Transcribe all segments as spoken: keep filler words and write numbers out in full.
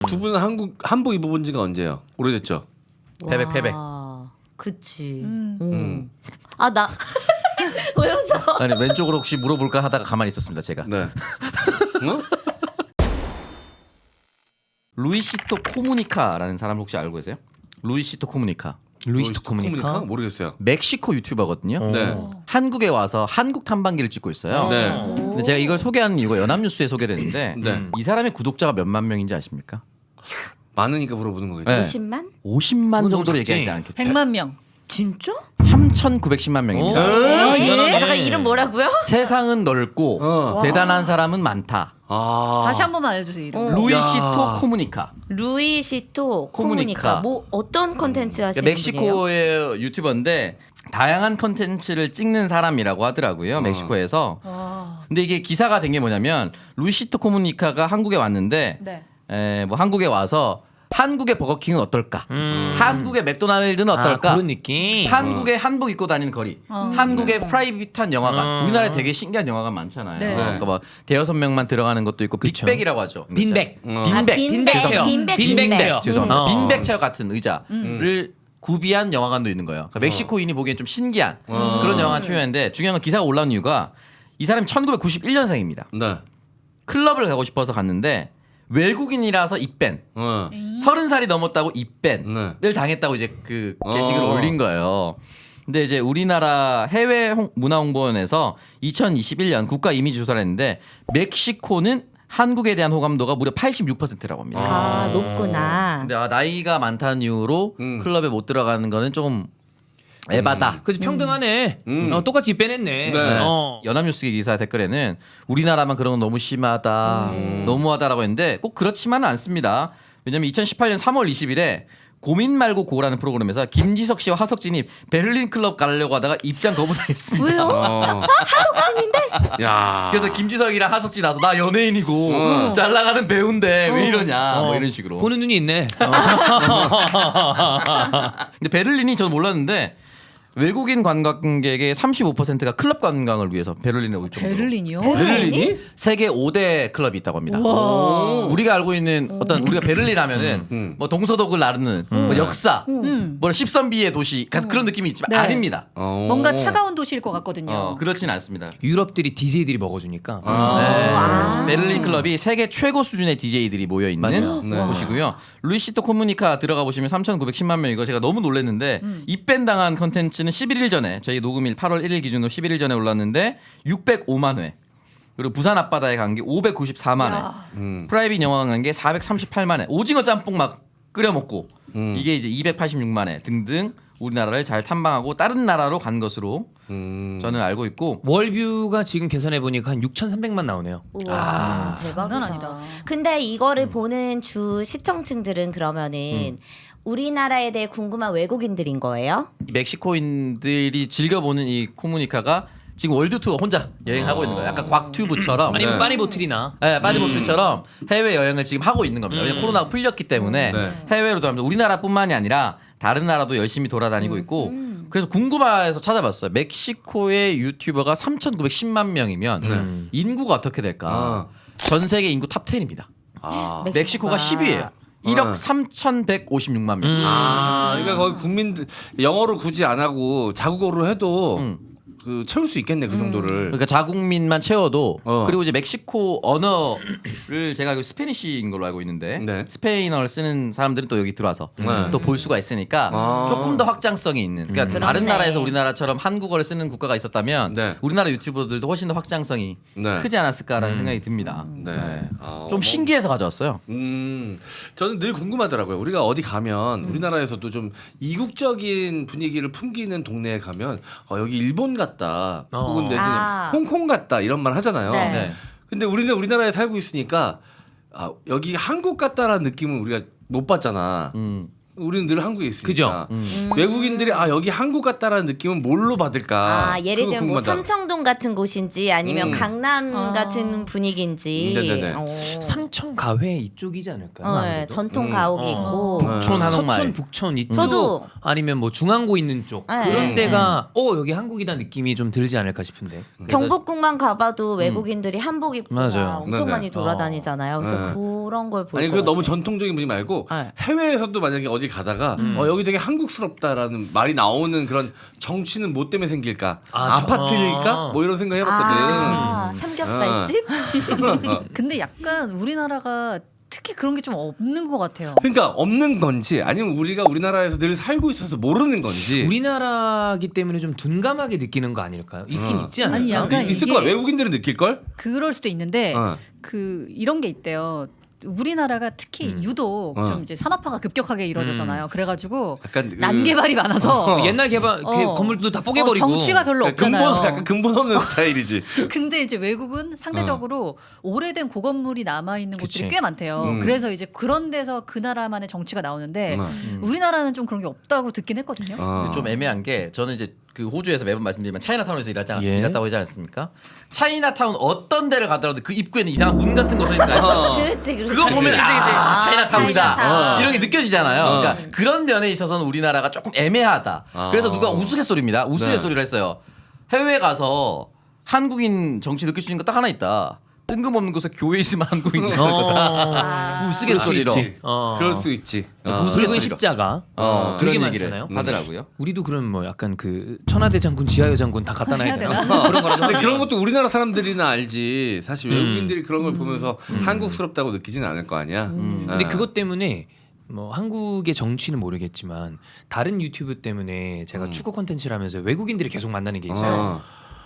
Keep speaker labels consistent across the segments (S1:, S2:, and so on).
S1: 두 분은 한국 한복 입어본 지가 언제예요? 오래됐죠?
S2: 패백 패백.
S3: 그치.
S4: 음.
S1: 음.
S3: 아 나 왜 웃어?
S2: 아니 왼쪽으로 혹시 물어볼까 하다가 가만히 있었습니다 제가.
S1: 네. 어?
S2: 루이시토 코무니카라는 사람 혹시 알고 계세요? 루이시토 코무니카.
S1: 루이스토 코무니카? 모르겠어요.
S2: 멕시코 유튜버거든요.
S1: 네.
S2: 한국에 와서 한국 탐방기를 찍고 있어요.
S1: 네.
S2: 근데 제가 이걸 소개하는 이유가 연합뉴스에 소개됐는데
S1: 네.
S2: 이 사람의 구독자가 몇만 명인지 아십니까?
S1: 많으니까 물어보는 거겠죠.
S2: 네.
S3: 구십만?
S2: 오십만
S4: 그건
S2: 정도로
S4: 너무
S2: 얘기하지
S4: 작지.
S2: 않겠죠?
S4: 백만 명.
S3: 진짜?
S2: 삼천구백십만 명입니다.
S1: 어?
S3: 에? 잠깐 이름 뭐라고요?
S2: 세상은 넓고
S1: 어.
S2: 대단한 사람은 많다.
S1: 아.
S4: 다시 한 번만 알려주세요 이름.
S3: 어.
S2: 루이시토
S1: 야.
S2: 코무니카.
S3: 루이시토
S2: 코무니카.
S3: 코무니카. 뭐 어떤 컨텐츠 하시는 분이에요?
S2: 멕시코의 유튜버인데 다양한 컨텐츠를 찍는 사람이라고 하더라고요. 멕시코에서.
S4: 와.
S2: 근데 이게 기사가 된 게 뭐냐면 루이시토 코무니카가 한국에 왔는데
S4: 네.
S2: 에, 뭐 한국에 와서 한국의 버거킹은 어떨까?
S5: 음.
S2: 한국의 맥도날드는 어떨까?
S5: 아, 그런 느낌.
S2: 한국의 한복 입고 다니는 거리,
S4: 어.
S2: 한국의 프라이빗한 영화관.
S5: 음.
S2: 우리나라에 되게 신기한 영화관 많잖아요.
S4: 네.
S2: 그러니까 뭐 대여섯 명만 들어가는 것도 있고
S5: 그쵸.
S2: 빅백이라고 하죠.
S5: 빈백.
S1: 어.
S2: 빈백.
S3: 아, 빈백,
S5: 체어.
S3: 빈백,
S5: 빈백
S3: 빈백.
S5: 체어.
S2: 죄송합니다.
S5: 어.
S2: 빈백 체어 같은 의자를 구비한 영화관도 있는 거예요. 그러니까 멕시코인이 보기엔 좀 신기한 그런 영화관 출연했는데 중요한 건 기사가 올라온 이유가 이 사람이 천구백구십일 년생입니다.
S1: 네.
S2: 클럽을 가고 싶어서 갔는데 외국인이라서 입밴.
S1: 어.
S2: 서른 살이 넘었다고 입밴을
S1: 네.
S2: 당했다고 이제 그 게시글을
S1: 어.
S2: 올린 거예요. 근데 이제 우리나라 해외 홍- 문화홍보원에서 이천이십일 년 국가 이미지 조사를 했는데 멕시코는 한국에 대한 호감도가 무려 팔십육 퍼센트라고 합니다.
S3: 아 높구나.
S2: 근데 아, 나이가 많다는 이유로
S1: 음.
S2: 클럽에 못 들어가는 거는 좀 에바다.
S5: 그지 평등하네.
S1: 음.
S5: 어, 똑같이 빼냈네.
S1: 네.
S5: 어.
S2: 연합뉴스 기사 댓글에는 우리나라만 그런 건 너무 심하다, 너무하다라고 했는데 꼭 그렇지만은 않습니다. 왜냐면 이천십팔 년 삼월 이십일에 고민 말고 고라는 프로그램에서 김지석 씨와 하석진이 베를린 클럽 가려고 하다가 입장 거부당했습니다.
S3: 왜요?
S1: 어.
S3: 하석진인데?
S1: 야.
S2: 그래서 김지석이랑 하석진 나서 나 연예인이고
S1: 어.
S2: 잘 나가는 배우인데 왜 이러냐 뭐
S5: 어.
S2: 이런 식으로.
S5: 보는 눈이 있네. 어.
S2: 근데 베를린이 저는 몰랐는데 외국인 관광객의 삼십오 퍼센트가 클럽 관광을 위해서 베를린에 올 정도로
S4: 베를린이요?
S1: 베를린이?
S2: 세계 오 대 클럽이 있다고 합니다.
S4: 와.
S2: 우리가 알고 있는 어떤 우리가 베를린 하면은
S1: 음.
S2: 뭐 동서독을 나르는 뭐 역사,
S4: 음.
S2: 뭐 십선비의 도시 같은 그런 느낌이 있지만
S4: 네.
S2: 아닙니다.
S1: 어.
S4: 뭔가 차가운 도시일 것 같거든요.
S2: 어, 그렇진 않습니다.
S5: 유럽들이 디제이들이 먹어주니까.
S1: 아.
S2: 네. 베를린 클럽이 세계 최고 수준의 디제이들이 모여 있는
S5: 맞아요.
S1: 네.
S2: 곳이고요. 루이시토 코무니카 들어가 보시면 삼천구백십만 명 이거 제가 너무 놀랐는데 입밴 당한 컨텐츠는 십일 일 전에 저희 녹음일 팔월 일일 기준으로 십일 일 전에 올랐는데 육백오만 회. 그리고 부산 앞바다에 간 게 오백구십사만 회.
S4: 야.
S1: 음.
S2: 프라이빗 영화관 간 게 사백삼십팔만 회. 오징어 짬뽕 막 끓여 먹고
S1: 음.
S2: 이게 이제 이백팔십육만 회 등등 우리나라를 잘 탐방하고 다른 나라로 간 것으로
S1: 음.
S2: 저는 알고 있고
S5: 월뷰가 지금 계산해 보니까 한 육천삼백만 나오네요.
S3: 우와 대박이다.
S4: 장난 아니다.
S3: 근데 이거를 보는 주 시청층들은 그러면은 우리나라에 대해 궁금한 외국인들인 거예요?
S2: 이 멕시코인들이 즐겨보는 이 코무니카가 지금 월드 투어 혼자 여행하고 있는 거예요. 약간 곽튜브처럼
S5: 아니면
S1: 네.
S5: 빠니보틀이나.
S2: 네, 빠디보틀처럼 해외 여행을 지금 하고 있는 겁니다. 왜냐면 코로나가 풀렸기 때문에
S1: 네.
S2: 해외로 돌아가면서 우리나라뿐만이 아니라 다른 나라도 열심히 돌아다니고 있고 그래서 궁금해서 찾아봤어요. 멕시코의 유튜버가 삼천구백십만 명이면 인구가 어떻게 될까?
S1: 아.
S2: 전 세계 인구 탑 텐입니다.
S1: 아.
S2: 멕시코가 십 위예요. 일억 삼천백오십육만 명.
S1: 아, 그러니까 거기 국민들 영어로 굳이 안 하고 자국어로 해도
S2: 음.
S1: 그 채울 수 있겠네 그 정도를.
S2: 그러니까 자국민만 채워도
S1: 어.
S2: 그리고 이제 멕시코 언어를 제가 알고 스페니쉬인 걸로 알고 있는데
S1: 네.
S2: 스페인어를 쓰는 사람들은 또 여기 들어와서
S1: 네.
S2: 또 볼 수가 있으니까
S1: 아.
S2: 조금 더 확장성이 있는 그러니까 다른
S3: 그렇네.
S2: 나라에서 우리나라처럼 한국어를 쓰는 국가가 있었다면
S1: 네.
S2: 우리나라 유튜버들도 훨씬 더 확장성이
S1: 네.
S2: 크지 않았을까라는 생각이 듭니다.
S1: 네. 아,
S2: 좀
S1: 뭐-
S2: 신기해서 가져왔어요.
S1: 음, 저는 늘 궁금하더라고요. 우리가 어디 가면 우리나라에서도 좀 이국적인 분위기를 풍기는 동네에 가면 어, 여기 일본 같다,
S5: 어.
S1: 혹은 내지는
S3: 아.
S1: 홍콩 같다 이런 말 하잖아요.
S3: 네.
S2: 네.
S1: 근데 우리는 우리나라에 살고 있으니까 아, 여기 한국 같다라는 느낌은 우리가 못 받잖아.
S2: 음.
S1: 우리는 늘 한국에 있으니까.
S5: 그죠?
S3: 음.
S1: 외국인들이 아 여기 한국 같다라는 느낌은 뭘로 받을까?
S3: 아, 예를
S1: 그거
S3: 들면 뭐
S1: 궁금하다.
S3: 삼청동 같은 곳인지 아니면
S1: 음.
S3: 강남
S4: 아.
S3: 같은 분위기인지.
S1: 음, 네네네.
S3: 어.
S5: 삼천 가회 이쪽이지 않을까요?
S3: 어, 네,
S5: 아무래도?
S3: 전통
S1: 음.
S3: 가옥이
S5: 어.
S3: 있고.
S2: 북촌 한옥마을.
S5: 서촌 북촌 이쪽
S3: 저도.
S5: 아니면 뭐 중앙고 있는 쪽
S3: 네.
S5: 그런
S1: 음.
S5: 데가 어 여기 한국이다 느낌이 좀 들지 않을까 싶은데.
S3: 경복궁만 가봐도 외국인들이 한복 입고
S5: 맞아요.
S3: 엄청
S1: 네네.
S3: 많이 돌아다니잖아요. 그래서
S1: 네.
S3: 그런 걸 볼
S1: 아니
S3: 것
S1: 그 너무
S3: 같아요.
S1: 전통적인 분이 말고
S3: 네.
S1: 해외에서도 만약에 어디 가다가
S5: 음.
S1: 어 여기 되게 한국스럽다라는 말이 나오는 그런 정치는 뭐 때문에 생길까?
S5: 아,
S1: 아,
S5: 저-
S1: 파트일까
S5: 아.
S1: 뭐 이런 생각 해봤거든.
S3: 아, 삼겹살집?
S4: 근데 약간 우리나라가 특히 그런 게 좀 없는 것 같아요.
S1: 그러니까 없는 건지 아니면 우리가 우리나라에서 늘 살고 있어서 모르는 건지.
S5: 우리나라기 때문에 좀 둔감하게 느끼는 거 아닐까요? 있긴
S1: 어.
S5: 있지 않을까?
S4: 아니, 약간
S1: 있을
S4: 이게-
S1: 거야. 외국인들은 느낄 걸.
S4: 그럴 수도 있는데
S1: 어.
S4: 그 이런 게 있대요. 우리나라가 특히
S5: 음.
S4: 유독
S1: 어.
S4: 좀 이제 산업화가 급격하게 이루어졌잖아요. 그래가지고
S1: 약간 그-
S4: 난개발이 많아서
S5: 어, 옛날 개발 개-
S4: 어.
S5: 건물도 다
S4: 어,
S5: 뽀개버리고
S4: 정취가 별로
S1: 그러니까 근본
S4: 없잖아요.
S1: 약간 근본 없는 스타일이지.
S4: 근데 이제 외국은 상대적으로 오래된 고건물이 남아 있는 곳들이
S5: 그치.
S4: 꽤 많대요.
S1: 음.
S4: 그래서 이제 그런 데서 그 나라만의 정치가 나오는데
S1: 음.
S4: 우리나라는 좀 그런 게 없다고 듣긴 했거든요.
S1: 어.
S2: 좀 애매한 게 저는 이제 그 호주에서 매번 말씀드리지만 차이나타운에서 일하지 않,
S5: 예.
S2: 일했다고 하지 않습니까? 차이나타운 어떤 데를 가더라도 그 입구에는 이상한 문 같은 거 서 있는 거 아시죠?
S3: 그렇지, 그렇지.
S2: 그거 보면
S1: 그치,
S2: 아,
S3: 그치.
S2: 차이나타운이다
S3: 차이나타운.
S2: 이런 게 느껴지잖아요.
S1: 어.
S2: 그러니까 그런 면에 있어서는 우리나라가 조금 애매하다.
S1: 아.
S2: 그래서 누가 우스갯소리입니다.
S1: 네.
S2: 우스갯소리를 했어요. 해외 가서 한국인 정치 느낄 수 있는 거 딱 하나 있다. 뜬금없는 곳에 교회 있으면 한국인이 될 거다.
S3: 아.
S2: 우스갯소리로.
S1: 그럴 수 있지.
S5: 어.
S1: 그럴 수 있지. 어.
S2: 무슨
S5: 붉은
S2: 소리로.
S5: 십자가
S2: 어,
S5: 되게
S2: 그런 얘기를
S5: 많잖아요.
S2: 하더라고요.
S5: 우리도 그런 뭐 약간 그 천하대 장군 지하여 장군 다 갖다 놔야
S4: 해야
S5: 되나?
S4: 되나?
S5: 그런 거라도
S1: 근데
S5: 하나?
S1: 그런 것도 우리나라 사람들이나 알지. 사실
S5: 음.
S1: 외국인들이 그런 걸 보면서 한국스럽다고 느끼진 않을 거 아니야.
S5: 음. 근데
S1: 아.
S5: 그것 때문에 뭐 한국의 정치는 모르겠지만 다른 유튜브 때문에 제가
S1: 음.
S5: 축구 콘텐츠를 하면서 외국인들이 계속 만나는 게 있어요.
S1: 어.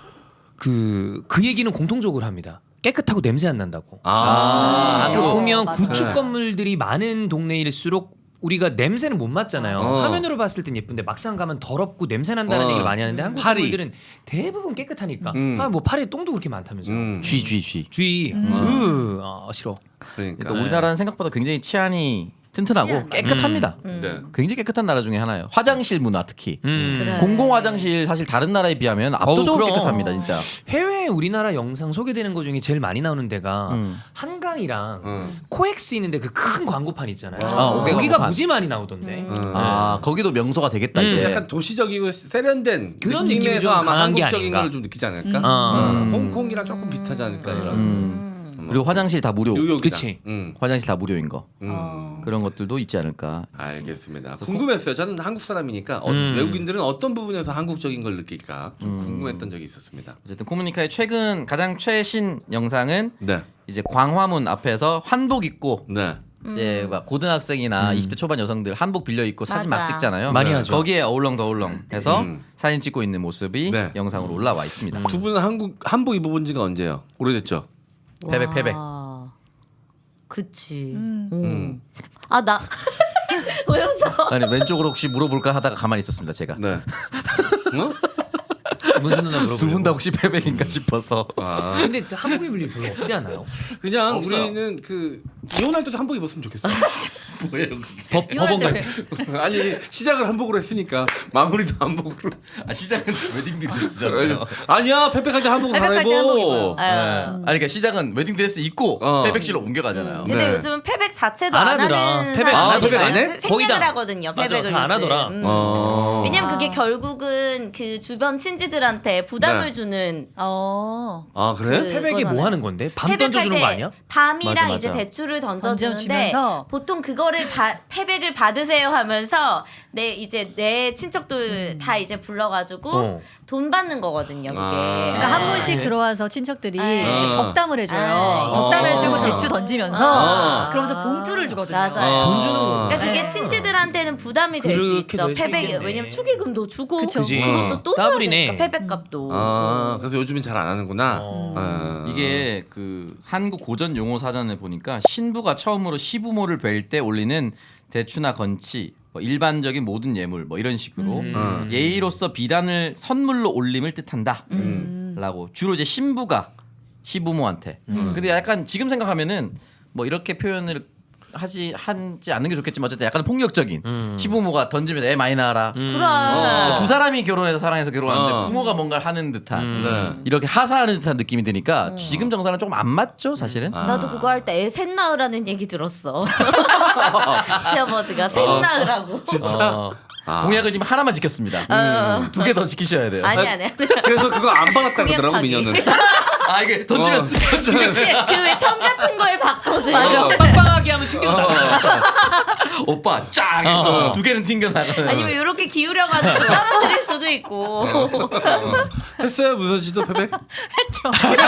S5: 그, 그 얘기는 공통적으로 합니다. 깨끗하고 냄새 안 난다고.
S1: 아,
S4: 아,
S5: 그러니까
S4: 어,
S5: 보면
S4: 맞아요.
S5: 구축
S1: 네.
S5: 건물들이 많은 동네일수록 우리가 냄새는 못 맡잖아요.
S1: 어.
S5: 화면으로 봤을 땐 예쁜데 막상 가면 더럽고 냄새 난다는
S1: 어.
S5: 얘기를 많이 하는데 한국
S1: 파리.
S5: 건물들은 대부분 깨끗하니까.
S1: 음.
S5: 아, 뭐 파리에 똥도 그렇게 많다면서요.
S1: 음.
S2: 쥐, 쥐, 쥐.
S5: 주의. 으, 아, 싫어.
S1: 그러니까.
S2: 그러니까 우리나라는 생각보다 굉장히 치안이 튼튼하고
S3: 치안
S2: 깨끗합니다.
S3: 음.
S1: 네.
S2: 굉장히 깨끗한 나라 중에 하나예요. 화장실 문화 특히.
S5: 음.
S3: 그래.
S2: 공공 화장실 사실 다른 나라에 비하면 압도적으로
S5: 그럼.
S2: 깨끗합니다, 진짜.
S5: 해외 우리나라 영상 소개되는 것 중에 제일 많이 나오는 데가
S2: 음.
S5: 한강이랑
S1: 음.
S5: 코엑스 있는데 그 큰 광고판 있잖아요.
S2: 아, 오케이,
S5: 거기가
S2: 광고판.
S5: 무지 많이 나오던데.
S3: 음.
S1: 음.
S2: 아, 거기도 명소가 되겠다
S5: 음,
S2: 이제.
S1: 약간 도시적이고 세련된
S5: 그런 느낌이
S1: 느낌에서
S5: 좀
S1: 아마
S5: 강한 게
S1: 한국적인
S5: 아닌가.
S1: 걸 좀 느끼지 않을까?
S5: 아.
S1: 음. 홍콩이랑 조금 비슷하지 않을까 이런.
S2: 음. 그리고 화장실 다 무료.
S1: 뉴욕이다.
S5: 그치.
S1: 음.
S2: 화장실 다 무료인 거.
S1: 음.
S3: 어.
S2: 그런 것들도 있지 않을까.
S1: 알겠습니다. 궁금했어요. 저는 한국 사람이니까 어,
S5: 음.
S1: 외국인들은 어떤 부분에서 한국적인 걸 느낄까 좀 궁금했던 적이 있었습니다.
S2: 어쨌든 코무니카의 최근 가장 최신 영상은
S1: 네,
S2: 이제 광화문 앞에서 한복 입고
S1: 네.
S2: 이제 막 고등학생이나
S5: 음.
S2: 이십 대 초반 여성들 한복 빌려 입고 사진 막
S3: 맞아.
S2: 찍잖아요.
S5: 많이
S1: 네.
S5: 하죠.
S2: 거기에 어울렁더울렁 해서
S1: 음.
S2: 사진 찍고 있는 모습이
S1: 네.
S2: 영상으로 올라와 있습니다.
S5: 음.
S1: 두 분은 한국 한복 입어본 지가 언제예요? 오래됐죠.
S2: 패백,
S3: 와.
S2: 패백.
S3: 그치.
S4: 음.
S3: 음.
S1: 음.
S3: 아, 나. 왜 웃어?
S2: 아니 왼쪽으로 혹시 물어볼까 하다가 가만히 있었습니다 제가.
S1: 네. 어?
S5: 무슨 누나 물어보려고.
S2: 두 분 다 혹시 패백인가 싶어서.
S1: 아,
S5: 근데 한국 입을 일 별로 없지 않아요?
S1: 그냥
S2: 없어요.
S1: 우리는 그 이혼할 때도 한복 입었으면 좋겠어. 뭐예요?
S5: 법
S4: 이혼할
S5: 법원
S4: 때
S5: 갈
S4: 왜-
S1: 아니 시작을 한복으로 했으니까 마무리도 한복으로.
S2: 아 시작은 웨딩드레스잖아요.
S1: 아니야 페백할 때 한복
S4: 페백할 때 한복 입어요.
S1: 갈아입어.
S2: 네.
S3: 아유.
S2: 아니 그러니까 시작은 웨딩드레스 입고
S1: 어.
S2: 패백실로 옮겨가잖아요.
S3: 근데
S1: 네.
S3: 요즘은 패백 자체도
S5: 안
S3: 안,
S5: 하더라.
S3: 하는
S5: 패백
S1: 안
S3: 사람들이
S1: 하더라.
S3: 많아요.
S1: 패백 안 해?
S5: 거의
S3: 생략을
S5: 다.
S3: 하거든요.
S5: 맞아,
S3: 패백을
S5: 다안
S3: 요즘.
S5: 하더라.
S3: 음.
S1: 어.
S3: 왜냐면 그게
S4: 아.
S3: 결국은 그 주변 친지들한테 부담을
S1: 네.
S3: 주는
S4: 어.
S1: 아 그래?
S3: 그-
S5: 패백이 뭐
S3: 그거잖아요.
S5: 하는 건데? 밤
S3: 패백할
S5: 던져주는
S3: 때
S5: 거 아니야?
S3: 밤이랑
S2: 맞아,
S3: 이제
S2: 맞아.
S3: 대추를 던져주는데
S4: 던져주면서
S3: 보통 그거를 바, 패백을 받으세요 하면서 내 이제 내 친척들 다 이제 불러가지고
S5: 어.
S3: 돈 받는 거거든요. 그게.
S1: 아.
S4: 그러니까 한
S3: 네.
S4: 분씩 들어와서 친척들이
S3: 네.
S4: 이제 덕담을 해줘요.
S3: 아.
S4: 덕담해주고
S1: 아.
S4: 대추 던지면서
S1: 아.
S4: 그러면서 봉투를 주거든요.
S3: 맞아요.
S5: 돈 주는 거.
S3: 그러니까 그게
S4: 네.
S3: 친지들한테는 부담이 될 수
S5: 그렇게
S3: 있죠.
S5: 될수
S3: 패백이
S5: 있겠네.
S3: 왜냐면 축의금도 주고
S4: 그쵸.
S5: 그지.
S3: 그것도 또 줘야
S5: 더블이네.
S3: 되니까 패백값도.
S1: 아 그래서 요즘엔 잘 안 하는구나.
S5: 어.
S1: 아.
S2: 이게 그 한국 고전 용어 사전을 보니까 신부가 처음으로 시부모를 뵐 때 올리는 대추나 건치, 뭐 일반적인 모든 예물 뭐 이런 식으로
S1: 음.
S2: 예의로서 비단을 선물로 올림을 뜻한다.
S3: 음.
S2: 라고 주로 이제 신부가 시부모한테.
S5: 음.
S2: 근데 약간 지금 생각하면은 뭐 이렇게 표현을 하지 하지 않는 게 좋겠지만 어쨌든 약간 폭력적인
S5: 음.
S2: 시부모가 던지면서 애 많이 낳아라.
S5: 음.
S3: 그래.
S2: 어, 두 사람이 결혼해서 사랑해서 결혼하는데
S1: 어.
S2: 부모가 뭔가를 하는 듯한
S5: 음.
S1: 네.
S2: 이렇게 하사하는 듯한 느낌이 드니까 지금 정서랑 조금 안 맞죠 사실은.
S1: 아.
S3: 나도 그거 할 때 애 셋 낳으라는 얘기 들었어. 시아버지가 셋 낳으라고.
S2: 어,
S1: 아.
S2: 공약을 지금 하나만 지켰습니다.
S3: 어.
S2: 두 개 더 지키셔야 돼요.
S3: 아니 아니.
S1: 그래서 그거 안 받았다 그러더라고
S3: 공약하기.
S1: 민현은.
S2: 아 이게 던지면
S1: 어.
S3: 그왜 천 같은 거에 봤거든.
S4: 맞아.
S1: 어.
S5: 빵빵하게 하면 튕겨 나가.
S2: 오빠 쫙 해서
S5: 어.
S2: 두 개는 튕겨 나가는.
S3: 아니면 이렇게 기울여가지고 떨어뜨릴 수도 있고.
S1: 했어요 무선 씨도 패백?
S4: 했죠.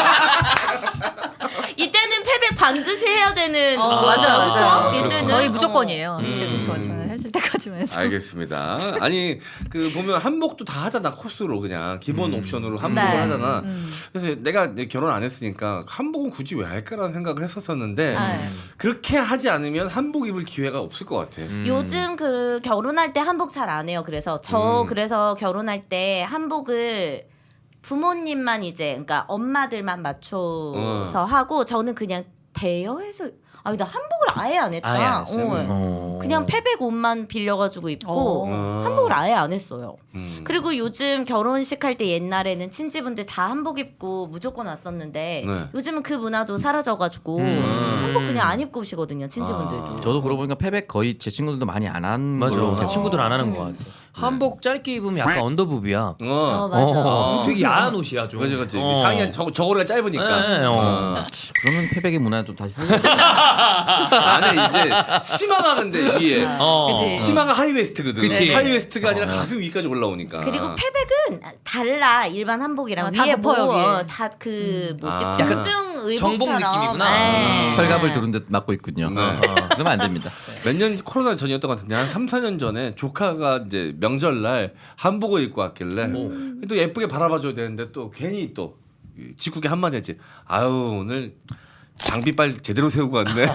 S3: 이때는 패백 반드시 해야 되는.
S4: 어,
S3: 거죠.
S4: 맞아 맞아.
S3: 그렇죠? 이때는
S4: 거의
S3: 어.
S4: 무조건이에요.
S1: 음.
S4: 이때는 저 저는 했을 때까지만 해서.
S1: 알겠습니다. 아니 그 보면 한복도 다 하잖아 코스로 그냥 기본 옵션으로 한복을
S3: 네.
S1: 하잖아.
S4: 음.
S1: 그래서 내가 내 결혼 안 했으니까 한복은 굳이 왜 할까라는 생각을 했었었는데
S3: 아,
S1: 그렇게 하지 않으면 한복 입을 기회가 없을 것 같아.
S5: 음.
S3: 요즘 그 결혼할 때 한복 잘 안 해요. 그래서 저
S1: 음.
S3: 그래서 결혼할 때 한복을 부모님만 이제 그러니까 엄마들만 맞춰서 하고 저는 그냥 대여해서 아니 나 한복을 아예 안 했다.
S5: 아예 안 했어요?
S3: 어.
S2: 어.
S3: 그냥 패백 옷만 빌려가지고 입고
S1: 어.
S3: 한복을 아예 안 했어요.
S1: 음.
S3: 그리고 요즘 결혼식 할 때 옛날에는 친지분들 다 한복 입고 무조건 왔었는데
S1: 네.
S3: 요즘은 그 문화도 사라져가지고
S5: 음.
S3: 한복 그냥 안 입고 오시거든요 친지분들도.
S2: 저도 그러고 보니까 패백 거의 제 친구들도 많이 안 한
S5: 맞아.
S2: 걸로
S5: 나 친구들 안 하는 것 같아. 한복 짧게 입으면 약간 언더부비야.
S3: 어
S1: 어.
S3: 맞아.
S5: 어, 되게 야한 옷이야 좀.
S1: 그렇지 그렇지.
S5: 어.
S1: 상의가 저 저고리가 짧으니까.
S5: 네, 어.
S1: 어.
S2: 그러면 패백의 문화 좀 다시 살려야 돼.
S1: 안에 이제 치마가 근데 위에
S5: 어.
S4: 그치.
S1: 치마가 하이웨스트거든.
S5: 그치.
S1: 하이웨스트가 아니라 가슴 위까지 올라오니까.
S3: 그리고 패백은 달라 일반 한복이랑
S4: 아, 다
S3: 위에
S4: 덮어요,
S3: 뭐
S4: 위에.
S3: 다 그 뭐지
S1: 아.
S5: 약간
S3: 궁중 의복처럼
S5: 정복 느낌이구나.
S3: 네.
S2: 철갑을 두른 듯 맞고 있군요.
S1: 네.
S2: 어, 그러면 안 됩니다.
S1: 몇 년 코로나 전이었던 것 같은데 한 삼, 사 년 전에 조카가 이제 명절날 한복을 입고 왔길래 또 예쁘게 바라봐줘야 되는데 또 괜히 또 직국에 한마디 했지. 아유 오늘 장비빨 제대로 세우고 왔네.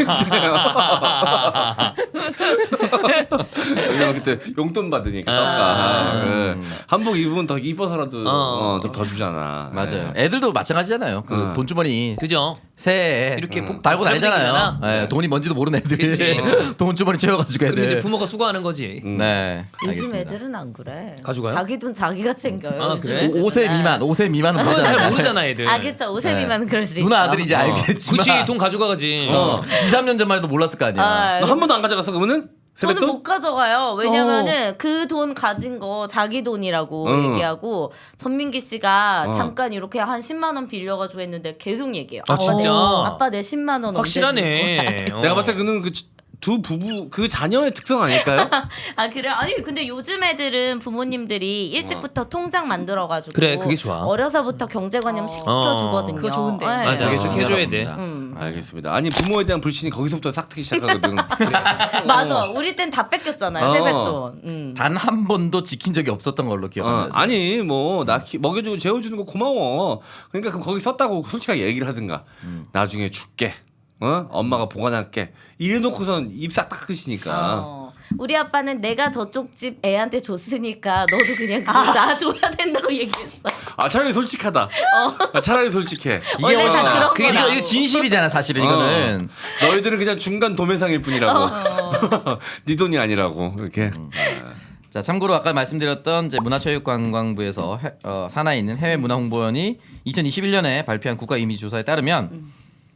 S1: 왜냐면 그때 용돈 받으니까 떡가 네. 한복 입으면 더 이뻐서라도
S5: 어.
S1: 어, 좀 더 주잖아.
S2: 맞아요.
S1: 네.
S2: 애들도 마찬가지잖아요. 그
S1: 어.
S2: 돈주머니
S5: 그죠?
S2: 새해
S5: 이렇게
S2: 음.
S5: 복-
S2: 달고 다니잖아요.
S5: 복잡생기잖아.
S2: 예, 돈이 뭔지도 모르는 애들이
S5: 그치.
S2: 돈주머니 채워가지고
S5: 그리고 이제
S2: 애들.
S5: 부모가 수고하는 거지.
S1: 음.
S2: 네.
S3: 요즘
S2: 알겠습니다.
S3: 애들은 안 그래.
S5: 가져가요?
S3: 자기 돈 자기가 챙겨요.
S5: 아,
S3: 요즘
S5: 그래?
S3: 애들은.
S2: 오 세 미만, 오 세 미만은
S5: 그건 잘
S2: 모르잖아요.
S5: 모르잖아 애들.
S3: 아 그쵸 오세
S2: 네.
S3: 미만은 그럴 수 있어.
S2: 누나 아들이 이제
S1: 어.
S2: 알겠지만.
S5: 굳이 돈 가져가가지.
S2: 어, 이, 삼 년 전만 해도 몰랐을 거 아니야.
S3: 아,
S1: 너 한 번도 안 가져갔어 그러면은?
S3: 저는
S1: 세뱃돈?
S3: 못 가져가요. 왜냐면은 그 돈 가진 거 자기 돈이라고
S1: 어.
S3: 얘기하고 전민기 씨가
S1: 어.
S3: 잠깐 이렇게 한 십만 원 빌려가지고 했는데 계속 얘기해요.
S5: 아, 진짜?
S3: 어, 아빠 내 십만 원
S5: 확실하네. 어.
S1: 내가 봤을 때 그는 그 두 부부 그 자녀의 특성 아닐까요?
S3: 아 그래? 아니 근데 요즘 애들은 부모님들이 일찍부터 통장 만들어가지고
S5: 그래, 그게 좋아.
S3: 어려서부터 경제관념
S4: 어.
S3: 시켜주거든요.
S4: 그거 좋은데.
S3: 네.
S5: 맞아.
S2: 그게
S5: 쭉
S2: 중요하다고
S5: 해줘야 돼.
S2: 봅니다.
S3: 음.
S1: 알겠습니다. 아니 부모에 대한 불신이 거기서부터 싹 트기 시작하거든.
S3: 맞아. 우리 땐 다 뺏겼잖아요.
S1: 어.
S3: 세뱃돈. 음.
S2: 단 한 번도 지킨 적이 없었던 걸로
S1: 어,
S2: 기억합니다.
S1: 아니 뭐 나 먹여주고 재워주는 거 고마워. 그러니까 그럼 거기 썼다고 솔직하게 얘기를 하든가. 나중에 줄게. 어? 엄마가 보관할게. 이래놓고선 입 싹 닦으시니까.
S3: 어. 우리 아빠는 내가 저쪽 집 애한테 줬으니까 너도 그냥 그거 놔줘야 된다고 얘기했어.
S1: 아 차라리 솔직하다. 아, 차라리 솔직해.
S3: 원래 다
S1: 훨씬 나아.
S3: 그런
S2: 그게
S3: 거야.
S2: 이거, 이거 진실이잖아 사실은 이거는.
S1: 어. 너희들은 그냥 중간 도매상일 뿐이라고. 네 돈이 아니라고 이렇게.
S2: 자 참고로 아까 말씀드렸던 이제 문화체육관광부에서 해, 어, 산하에 있는 해외 문화 홍보원이 이천이십일 년에 발표한 국가 이미지 조사에 따르면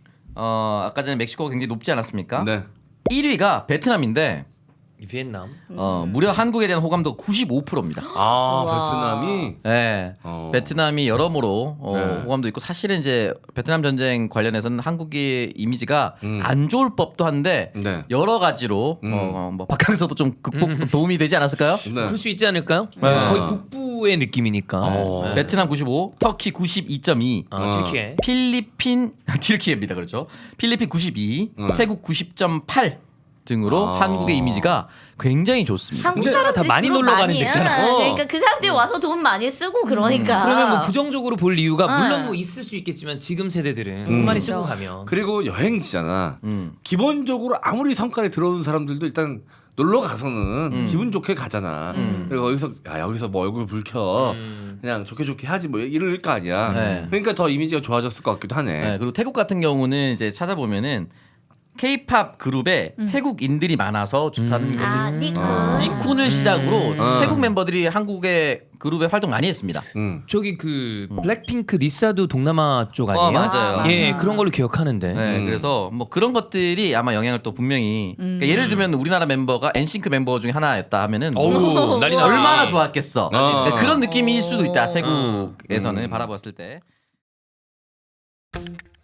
S2: 어, 아까 전에 멕시코가 굉장히 높지 않았습니까?
S1: 네.
S2: 일 위가 베트남인데
S5: 비엔남.
S2: 어, 무려 한국에 대한 호감도가 구십오 퍼센트입니다.
S1: 아
S3: 우와.
S1: 베트남이.
S2: 네.
S1: 어.
S2: 베트남이 여러모로 어,
S1: 네.
S2: 호감도 있고 사실은 이제 베트남 전쟁 관련해서는 한국의 이미지가
S1: 음.
S2: 안 좋을 법도 한데
S1: 네.
S2: 여러 가지로
S1: 음.
S2: 어, 뭐 박항서도 좀 극복 도움이 되지 않았을까요?
S1: 네.
S5: 그럴 수 있지 않을까요?
S2: 네.
S5: 거의 북부의 느낌이니까.
S1: 어.
S5: 네.
S2: 베트남 구십오, 터키 구십이 점 이,
S5: 아,
S1: 어.
S5: 튀르키예.
S2: 필리핀 튀르키예입니다. 그렇죠. 필리핀 구십이,
S1: 음.
S2: 태국 구십 점 팔 등으로
S1: 아.
S2: 한국의 이미지가 굉장히 좋습니다.
S3: 한국
S5: 근데
S3: 사람들이
S5: 다 많이
S3: 그런
S5: 놀러 가는
S3: 많이 해.
S5: 데잖아. 어.
S3: 그러니까 그 사람들이 와서 돈 많이 쓰고 그러니까.
S5: 그러면 뭐 부정적으로 볼 이유가
S3: 아.
S5: 물론 뭐 있을 수 있겠지만 지금 세대들은
S1: 음.
S5: 돈 많이 쓰고 가면
S1: 그리고 여행지잖아.
S2: 음.
S1: 기본적으로 아무리 성깔이 들어오는 사람들도 일단 놀러 가서는
S2: 음.
S1: 기분 좋게 가잖아.
S2: 음.
S1: 그리고 여기서 야 여기서 뭐 얼굴 붉혀
S5: 음.
S1: 그냥 좋게 좋게 하지 뭐 이럴 거 아니야.
S2: 네.
S1: 그러니까 더 이미지가 좋아졌을 것 같기도 하네.
S2: 네, 그리고 태국 같은 경우는 이제 찾아보면은 K-팝 그룹에
S4: 음.
S2: 태국인들이 많아서 좋다는
S5: 음.
S2: 것도
S3: 아
S2: 있어요.
S3: 니쿤.
S1: 아.
S2: 니쿤을 시작으로
S1: 음.
S2: 태국 멤버들이 한국의 그룹에 활동 많이 했습니다.
S1: 음.
S5: 저기 그 블랙핑크 리사도 동남아 쪽 아니에요?
S2: 어, 맞아요.
S3: 아,
S5: 예,
S3: 맞아.
S5: 그런 걸로 기억하는데.
S2: 네,
S1: 음.
S2: 그래서 뭐 그런 것들이 아마 영향을 또 분명히
S4: 음.
S2: 그러니까 예를 들면 우리나라 멤버가 엔싱크 mem버 중에 하나였다 하면은
S5: 어우, 난리 나지.
S2: 얼마나 좋았겠어.
S1: 어.
S2: 네, 그런 느낌일 수도 있다.
S4: 어.
S2: 태국에서는
S1: 음.
S2: 바라봤을 때.